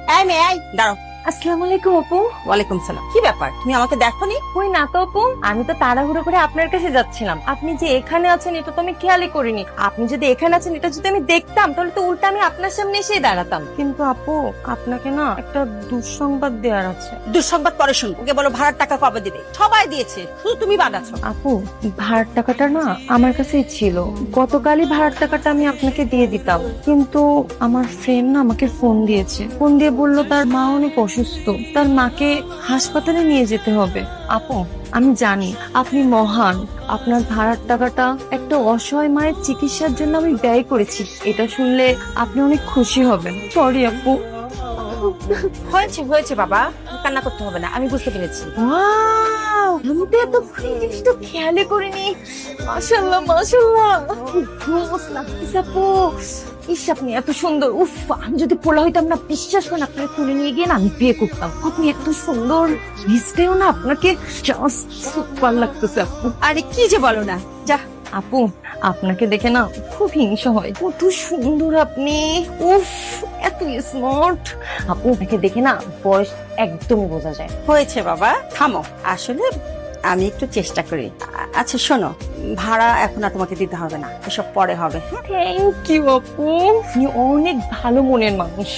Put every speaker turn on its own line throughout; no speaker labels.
এই মেয়ে, এই দাঁড়াও।
আসসালামু আলাইকুম আপু।
ওয়ালাইকুম সালাম। কি ব্যাপার, তুমি আমাকে দেখোনি?
কই না তো আপু, আমি তো তাড়াহুড়ো করে আপনার কাছে যাচ্ছিলাম। আপনি যে এখানে আছেন এটা তো আমি খেয়ালই করিনি। আপনি যদি এখানে আছেন এটা যদি আমি দেখতাম তাহলে তো উল্টা আমি আপনার সামনে এসেই দাঁড়াতাম। কিন্তু আপু, আপনাকে না একটা দুঃসংবাদ দেওয়ার আছে।
দুঃসংবাদ পরে শুনবো। ওকে বলো ভাড়ার টাকা কবে দিবে। সবাই দিয়েছে, শুধু তুমি বাদ আছো।
আপু, ভাড়ার টাকাটা না আমার কাছেই ছিল। গতকালই ভাড়ার টাকাটা আমি আপনাকে দিয়ে দিতাম, কিন্তু আমার ফ্রেন্ড না আমাকে ফোন দিয়েছে। ফোন দিয়ে বললো তার মা অনেক অসুস্থ, তার মাকে হাসপাতালে নিয়ে যেতে হবে। আপু, আমি জানি আপনি মহান, আপনার ভাড়ার টাকাটা একটা অসহায় মায়ের চিকিৎসার জন্য আমি ব্যয় করেছি। এটা শুনলে আপনি অনেক খুশি হবেন। সরি আপু।
হয়েছে হয়েছে বাবা, কান্না করতে হবে না, আমি বুঝতে পেরেছি।
ওয়াও, আমি তো এত জিনিসটা খেয়ালই করিনি। মাশাআল্লাহ মাশাআল্লাহ, রোজ লাগতেছে আপু। ইস, আপনি এত সুন্দর। উফ, আমি যদি পোলা হইতাম না, বিশ্বাস করেন আপনাকে তুলে নিয়ে গিয়ে না আমি বিয়ে করতাম। আপনি এত সুন্দর, মিস্টেও না আপনাকে জাস্ট সুপার লাগতেছে আপু।
আরে কি যে বলো না, যা।
আপু, আপনাকে দেখে না খুব হিংসা হয়, কত সুন্দর আপনি। উফ, এত স্মার্ট। আপু, আপনাকে দেখে না বয়স একদমই বোঝা যায়।
হয়েছে বাবা, থামো। আসলে আমি একটু চেষ্টা করি। আচ্ছা শোনো, ভাড়া এখন আর তোমাকে দিতে হবে না, এসব পরে হবে।
থ্যাংক ইউ আপু, আপনি অনেক ভালো মনের মানুষ।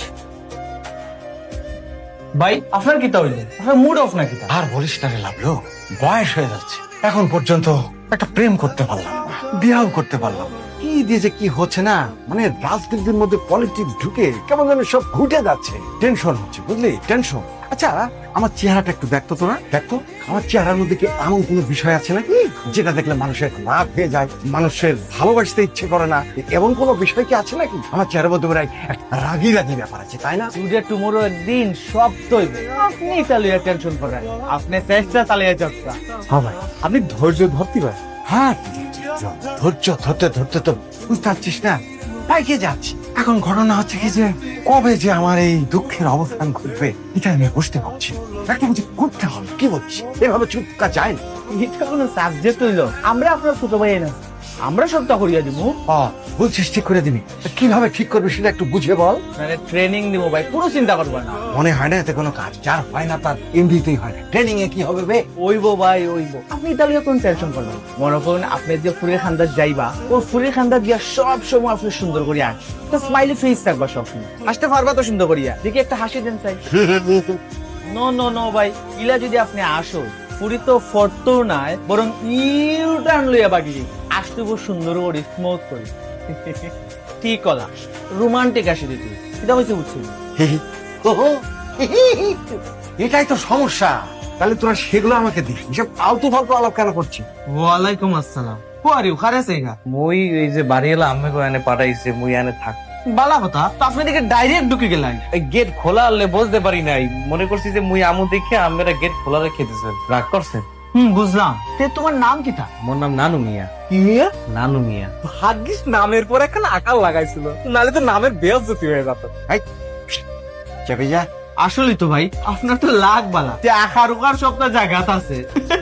ভাই আপনার কি তাহলে আপনার মুড অফ নাকি?
আর বলিস না রে লাভলো, বয়স হয়ে যাচ্ছে, এখন পর্যন্ত একটা প্রেম করতে পারলাম না, বিয়াও করতে পারলাম না। কি দিয়ে যে কি হচ্ছে না, মানে রাজনীতির মধ্যে পলিটিক্স ঢুকে কেমন যেন সব ঘুটে যাচ্ছে। টেনশন হচ্ছে, বুঝলি, টেনশন। আচ্ছা, আমার চেহারাটা একটু দেখতো তোরা, দেখতো আমার চেহারার মধ্যে কি এমন কোনো বিষয় আছে নাকি যেটা দেখলে মানুষের রাগ হয়ে যায়, মানুষের ভালোবাসতে ইচ্ছে করে না? এমন কোনো বিষয় কি আছে নাকি? আমার চেহারার মধ্যে প্রায় একটা রাগি রাগি ব্যাপার আছে, তাই না?
টুডে টুমোরো একদিন সব তৈবে। আপনি চালিয়ে টেনশন করেন, আপনি চেষ্টা চালিয়ে যাচ্ছেন।
হ্যাঁ ভাই,
আপনি ধৈর্য ধরতে পারেন।
হ্যাঁ, ধৈর্য ধরতে ধরতে তো বুঝতে পারছিস না, পাইকে যাচ্ছি। এখন ঘটনা হচ্ছে কি যে কবে যে আমার এই দুঃখের অবসান ঘটবে এটা আমি বুঝতে পারছি না। একটা কিছু করতে হবে, কি বলছিস? এভাবে চুপ থাকা যায় না।
এটা কোনো সাবজেক্ট হইল? আমরা আপনার ছোট ভাই না, আমরা সবটা করিয়া দিব।
বলছিস ঠিক করে দিবি, তা কিভাবে ঠিক করবি সেটা একটু বুঝে বল।
মানে ট্রেনিং দিব ভাই, পুরো চিন্তা করবেন না।
মনে হয় না এতে কোনো কাজ, যার হয় না তার এমনিতেই হয় না। ট্রেনিং এ কি হবে বে?
ওইবো ভাই ওইবো, আপনি তাহলে কোন টেনশন করবেন? মনে করুন আপনি যে ফুলের খান্দার যাইবা, ও ফুলের খান্দার দিয়া সব সময় আপনি সুন্দর করে আস, তো স্মাইলি ফেস থাকবা সবসময়, আসতে পারবা তো সুন্দর করিয়া। দেখি একটা হাসি দেন চাই। নো নো নো ভাই, ইলা যদি আপনি আসো, পুরি তো ফটো নাই, বরং ইউ টার্ন লইয়া বাকি আসতে বহু সুন্দর করে স্মুথ করে। ঠিক কথা, রোমান্টিক আসি দিত, এটা হয়েছে বুঝছি।
এটাই তো সমস্যা। তাহলে তোরা সেগুলো আমাকে দিস, এসব ফালতু ফালতু আলাপ কেন করছিস?
ওয়ালাইকুম আসসালাম। কোয়ারি খারে সেগা মই এই যে বাড়ি এলা আমি এনে পাঠাইছে মই এনে থাক বালা কথা তো আপনি দিকে ডাইরেক্ট ঢুকে গেলেন। এই গেট খোলা আনলে বুঝতে পারি নাই, মনে করছি যে মুই আমু দেখে আমরা গেট খোলা রেখে দিয়েছেন, রাগ করছেন?
বুঝলাম। তে তোমার নাম কি তা?
মোর নাম নানু মিয়া।
কি মিয়া?
নানু মিয়া।
ভাগ্যিস নামের পর একটা আকাল লাগাইছিল, নালে তো নামের বেয়াজ্জতি হয়ে যেত।
চেপে যা।
আসলে তো ভাই আপনার তো লাখ বালা যে আকার উকার সবটা জায়গাত আছে।